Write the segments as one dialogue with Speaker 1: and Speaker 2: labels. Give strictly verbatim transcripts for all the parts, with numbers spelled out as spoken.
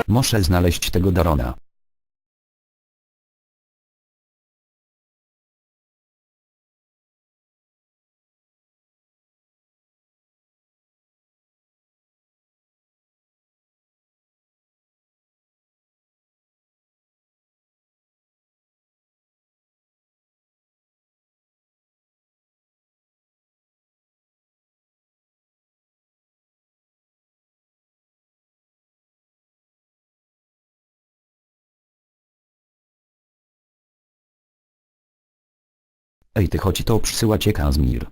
Speaker 1: Muszę znaleźć tego Darona. Ej ty, chodź, to przysyła cię Kazmir.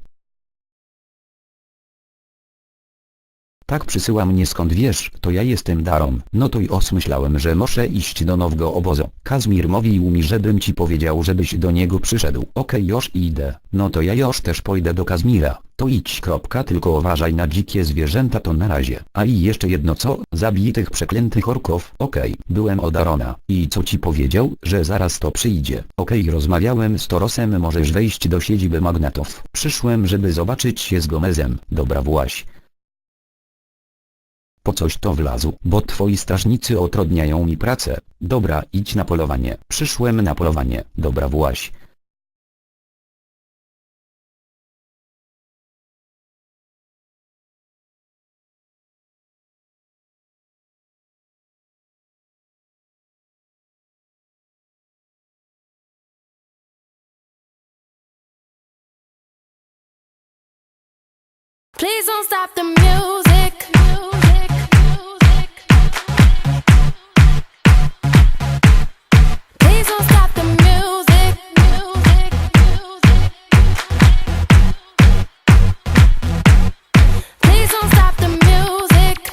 Speaker 1: Tak, przysyła mnie, skąd wiesz? To ja jestem Daron. No to i os, myślałem, że muszę iść do nowego obozu. Kazmir mówił mi, żebym ci powiedział, żebyś do niego przyszedł. Okej, już idę. No to ja już też pójdę do Kazmira. To idź, kropka, tylko uważaj na dzikie zwierzęta, to na razie. A i jeszcze jedno, co? Zabij tych przeklętych orków. Okej, byłem od Darona. I co ci powiedział? Że zaraz to przyjdzie. Okej, rozmawiałem z Torosem, możesz wejść do siedziby magnatów. Przyszłem, żeby zobaczyć się z Gomezem. Dobra, właś. Po coś to wlazł, bo twoi strażnicy utrudniają mi pracę. Dobra, idź na polowanie. Przyszłem na polowanie. Dobra, właś.
Speaker 2: Please don't stop the music.